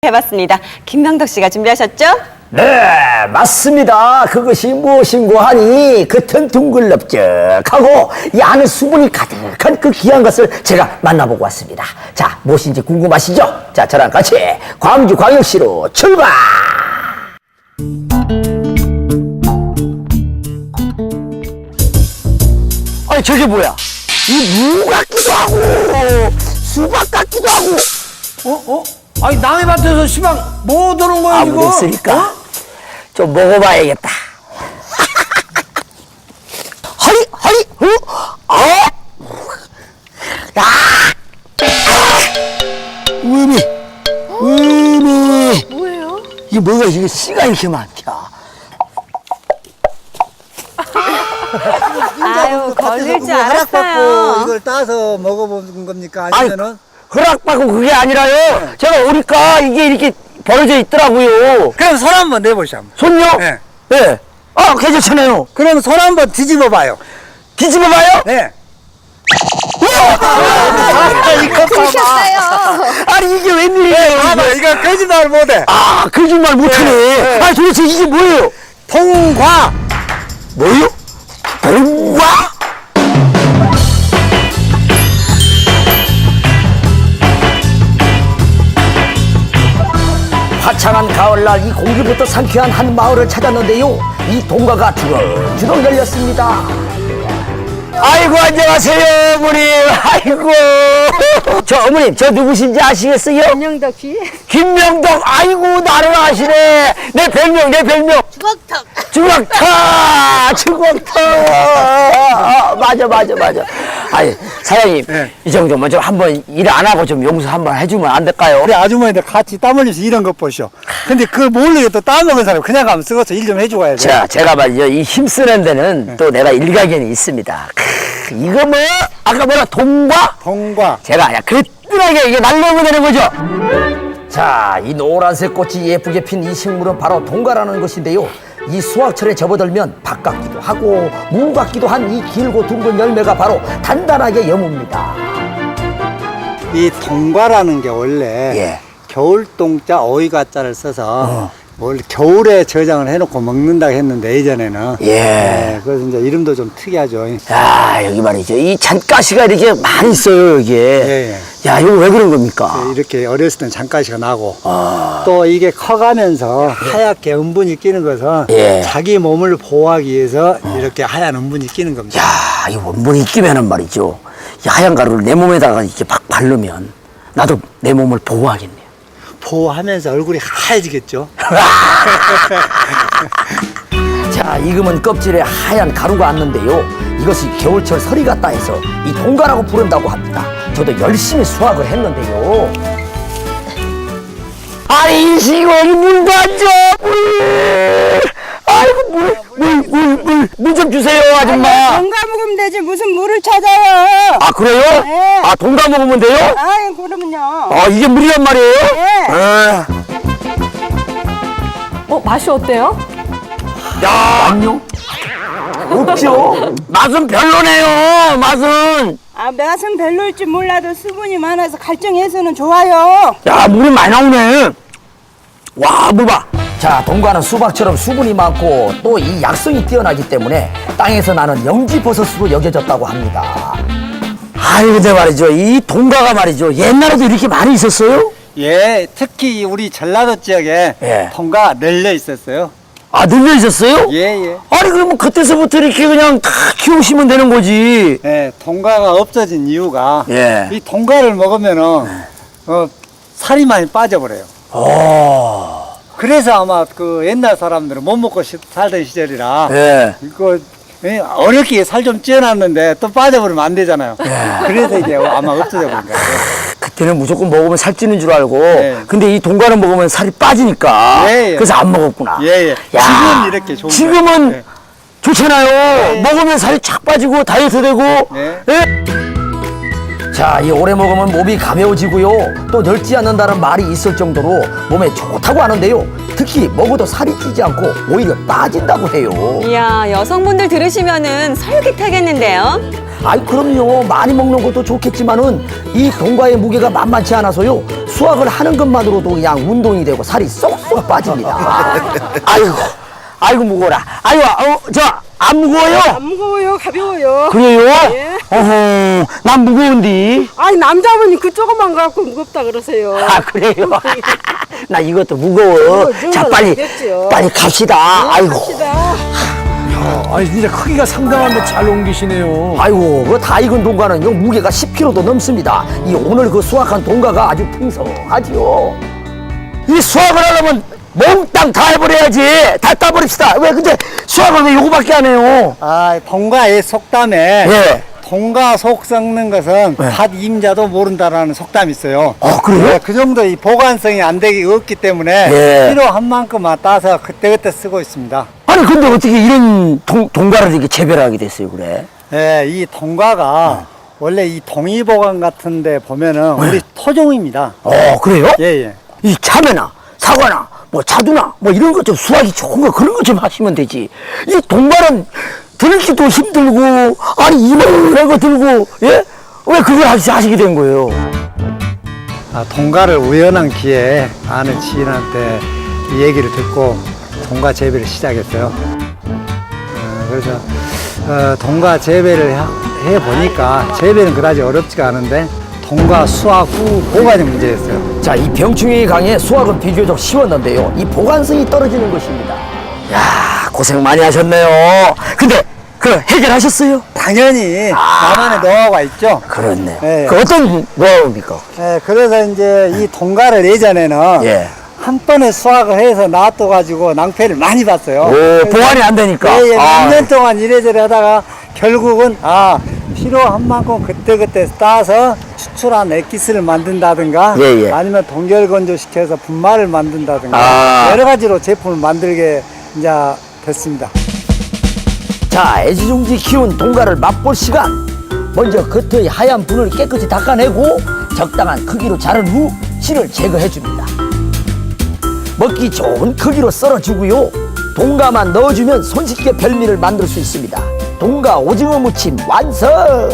해봤습니다. 김명덕 씨가 준비하셨죠? 네, 맞습니다. 그것이 무엇인고 하니 겉은 둥글럽적하고 이 안에 수분이 가득한 그 귀한 것을 제가 만나보고 왔습니다. 자, 무엇인지 궁금하시죠? 자, 저랑 같이 광주광역시로 출발! 아니, 저게 뭐야? 이 무 같기도 하고 수박 같기도 하고 아니 남의 밭에서 시방 뭐 들은 거야 아무 이거? 됐으니까 좀 먹어봐야겠다. 허리 허리 의미 뭐예요? 이게 뭐가 이게 씨가 이렇게 많다. 아유, 걸릴 줄 허락받고 알았어요. 이걸 따서 먹어본 겁니까? 아니, 아니면은 허락받고 그게 아니라요. 제가 오니까 이게 이렇게 벌어져 있더라고요. 그럼 손 한번 내보시죠. 손요? 네. 네. 아, 괜찮잖아요. 그럼 손 한번 뒤집어 봐요. 뒤집어봐요? 네. 이거 봐봐. 아니, 이게 웬일이에요? 봐봐, 이거 거짓말 못해. 아, 거짓말 못하네. 네. 아니, 도대체 이게 뭐예요? 통과. 뭐요? 동과? 화창한 가을날 이 공기부터 상쾌한 한 마을을 찾았는데요. 이 동가가 주렁주렁 열렸습니다. 아이고, 안녕하세요, 어머님. 아이고. 저 어머님, 저 누구신지 아시겠어요? 김명덕 씨? 김명덕. 아이고, 나를 아시네. 내 별명. 주걱턱. 맞아. 아니, 사장님, 네. 이 정도면 좀 한번 일 안 하고 좀 용서 한번 해주면 안 될까요? 우리 아주머니들 같이 땀 흘려서 이런 것 보시오. 근데 그걸 모르게 또 따먹은 사람 그냥 가면 쓰고서 일 좀 해줘야 돼. 자, 제가 말이죠. 이 힘쓰는 데는 또 내가 일가견이 있습니다. 이거 뭐, 아까 뭐라, 동과? 통과. 제가 그냥 그랬더라게 이게 날려오면 되는 거죠. 자, 이 노란색 꽃이 예쁘게 핀 이 식물은 바로 동가라는 것인데요. 이 수확철에 접어들면 밭 같기도 하고 무 같기도 한 이 길고 둥근 열매가 바로 단단하게 여뭅니다. 이 통과라는 게 원래 예. 겨울동자 어이가자를 써서 원래 겨울에 저장을 해놓고 먹는다고 했는데 예전에는 예. 그래서 이제 이름도 좀 특이하죠. 야, 여기 말이죠. 이 잔가시가 이렇게 많이 있어요, 여기에. 예. 야, 이거 왜 그런 겁니까? 이렇게 어렸을 땐 잔가시가 나고 또 이게 커가면서 하얗게 은분이 끼는 것은 예. 자기 몸을 보호하기 위해서 이렇게 하얀 은분이 끼는 겁니다. 야, 이 원분이 끼면은 말이죠. 이 하얀 가루를 내 몸에다가 이렇게 막 바르면 나도 내 몸을 보호하겠네요. 보호하면서 얼굴이 하얘지겠죠. 자, 익으면 껍질에 하얀 가루가 앉는데요. 이것이 겨울철 서리 같다 해서 이 동가라고 부른다고 합니다. 저도 열심히 수확을 했는데요. 아니, 이 시골이 물도 안 줘, 물! 아이고, 물 좀 주세요, 아줌마. 동가 먹으면 되지 무슨 물을 찾아요? 아, 그래요? 네. 아, 동가 먹으면 돼요? 아이 그러면요. 아, 이게 물이란 말이에요? 네. 아, 맛이 어때요? 야, 안녕? 없죠? 맛은 별로네요, 맛은. 아 맛은 별로일지 몰라도 수분이 많아서 갈증해서는 좋아요. 야, 물이 많이 나오네. 와, 물 봐. 자, 동가는 수박처럼 수분이 많고 또 이 약성이 뛰어나기 때문에 땅에서 나는 영지버섯으로 여겨졌다고 합니다. 아유, 근데 말이죠. 이 동가가 말이죠. 옛날에도 이렇게 많이 있었어요? 예, 특히 우리 전라도 지역에 예. 통가 널려 있었어요. 아, 늘려 있었어요? 예. 아니, 그러면 그때서부터 이렇게 그냥 다 키우시면 되는 거지. 예, 통가가 없어진 이유가 예. 이 통가를 먹으면은 살이 많이 빠져버려요. 그래서 아마 그 옛날 사람들은 못 먹고 살던 시절이라 예. 이거 어렵게 살 좀 찌어놨는데 또 빠져버리면 안 되잖아요. 그래서 이게 아마 없어져 버린 거예요. 그때는 무조건 먹으면 살찌는 줄 알고. 예. 근데 이 동가는 먹으면 살이 빠지니까. 예. 그래서 안 먹었구나. 예. 야, 지금 이렇게 좋은 지금은 거예요. 예. 좋잖아요. 먹으면 살이 착 빠지고 다이어트 되고. 네. 예? 자, 이 오래 먹으면 몸이 가벼워지고요. 또 늙지 않는다는 말이 있을 정도로 몸에 좋다고 하는데요. 특히 먹어도 살이 찌지 않고 오히려 빠진다고 해요. 이야, 여성분들 들으시면은 설깃하겠는데요? 아이, 그럼요. 많이 먹는 것도 좋겠지만은 이 동과의 무게가 만만치 않아서요. 수확을 하는 것만으로도 그냥 운동이 되고 살이 쏙쏙 빠집니다. 아이고 무거워라. 아이고, 안 무거워요? 안 무거워요, 가벼워요. 그래요? 예. 어허, 난 무거운데. 아니 남자분이 그 조그만 거 갖고 무겁다 그러세요. 아, 그래요? 나 이것도 무거워. 이거 자, 무겁겠지요. 빨리 갑시다. 아이고. 아니 진짜 크기가 상당한데 잘 옮기시네요. 아이고, 그 다 익은 동과는요, 무게가 10kg도 넘습니다. 이 오늘 그 수확한 동과가 아주 풍성하지요. 이 수확을 하려면 몽땅 다 해버려야지. 다 따버립시다. 왜 근데 수확을 왜 요거밖에 안 해요? 아, 동가의 속담에 예. 동가 속 썩는 것은 밭 임자도 모른다라는 속담이 있어요. 그래요? 네, 그 정도 이 보관성이 안 되기 없기 때문에 예. 필요한 만큼만 따서 그때그때 쓰고 있습니다. 아니, 근데 어떻게 이런 동과를 이렇게 재배하게 됐어요, 그래? 예, 이 동가가 원래 이 동의보관 같은 데 보면은 우리 토종입니다. 그래요? 예, 예. 이 참외나 사과나 뭐 자두나 뭐 이런 것 좀 수확이 좋은 거 그런 거 좀 하시면 되지. 이 동과는 들기도 힘들고 아니 이만한 거 들고 예? 왜 그걸 하시게 된 거예요? 아, 동가를 우연한 기회에 아는 지인한테 이 얘기를 듣고 동가 재배를 시작했어요. 그래서 동가 재배를 해보니까 재배는 그다지 어렵지가 않은데 동가 수확 후 보관이 문제였어요. 자, 이 병충해에 강해 수확은 비교적 쉬웠는데요. 이 보관성이 떨어지는 것입니다. 야, 고생 많이 하셨네요. 근데 그 해결하셨어요? 당연히 나만의 노하우가 있죠. 그렇네요. 예. 그 어떤 노하우입니까? 예, 그래서 이제 이 동가를 예전에는 예. 한 번에 수확을 해서 놔둬가지고 낭패를 많이 봤어요. 오, 보관이 안 되니까. 예, 예, 아, 몇 년 동안 이래저래 하다가 결국은 필요한 만큼 그때그때 따서 추출한 액기스를 만든다든가 예, 예. 아니면 동결 건조시켜서 분말을 만든다든가 아. 여러 가지로 제품을 만들게 이제 됐습니다. 자, 애지중지 키운 동가를 맛볼 시간. 먼저 겉의 하얀 분을 깨끗이 닦아내고 적당한 크기로 자른 후 실을 제거해 줍니다. 먹기 좋은 크기로 썰어주고요. 동가만 넣어주면 손쉽게 별미를 만들 수 있습니다. 동가 오징어 무침 완성!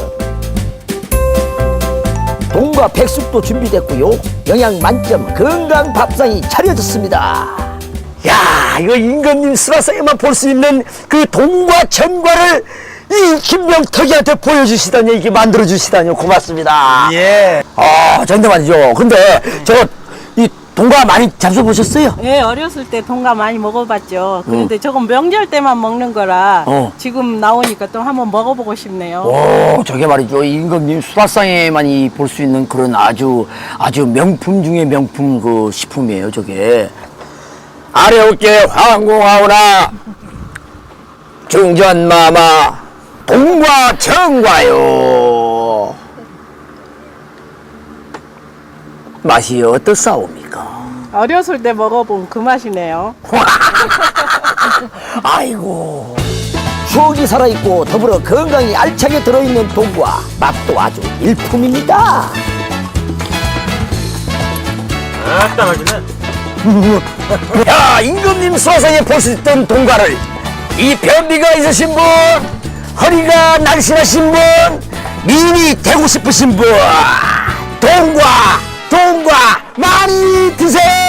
동가 백숙도 준비됐고요. 영양 만점 건강 밥상이 차려졌습니다. 야, 이거 임금님 수라상에만 볼 수 있는 그 동과 전과를 이 김명덕이한테 보여주시다니, 이게 만들어주시다니 고맙습니다. 예. 전대 말이죠. 근데 이 동과 많이 잡숴보셨어요? 예, 어렸을 때 동가 많이 먹어봤죠. 그런데 저건 명절 때만 먹는 거라 지금 나오니까 또 한번 먹어보고 싶네요. 저게 말이죠. 임금님 수라상에만이 볼 수 있는 그런 아주 명품 중에 명품 그 식품이에요, 저게. 아래 어깨 황공하오나 중전마마 동과 정과요. 맛이 어떻사옵니까? 어렸을 때 먹어본 그 맛이네요. 아이고, 추억이 살아있고 더불어 건강이 알차게 들어있는 동과 맛도 아주 일품입니다. 아따 맛있네. 야, 임금님 수화상에 볼 수 있던 동과를 이 변비가 있으신 분, 허리가 날씬하신 분, 미인이 되고 싶으신 분, 동과 많이 드세요.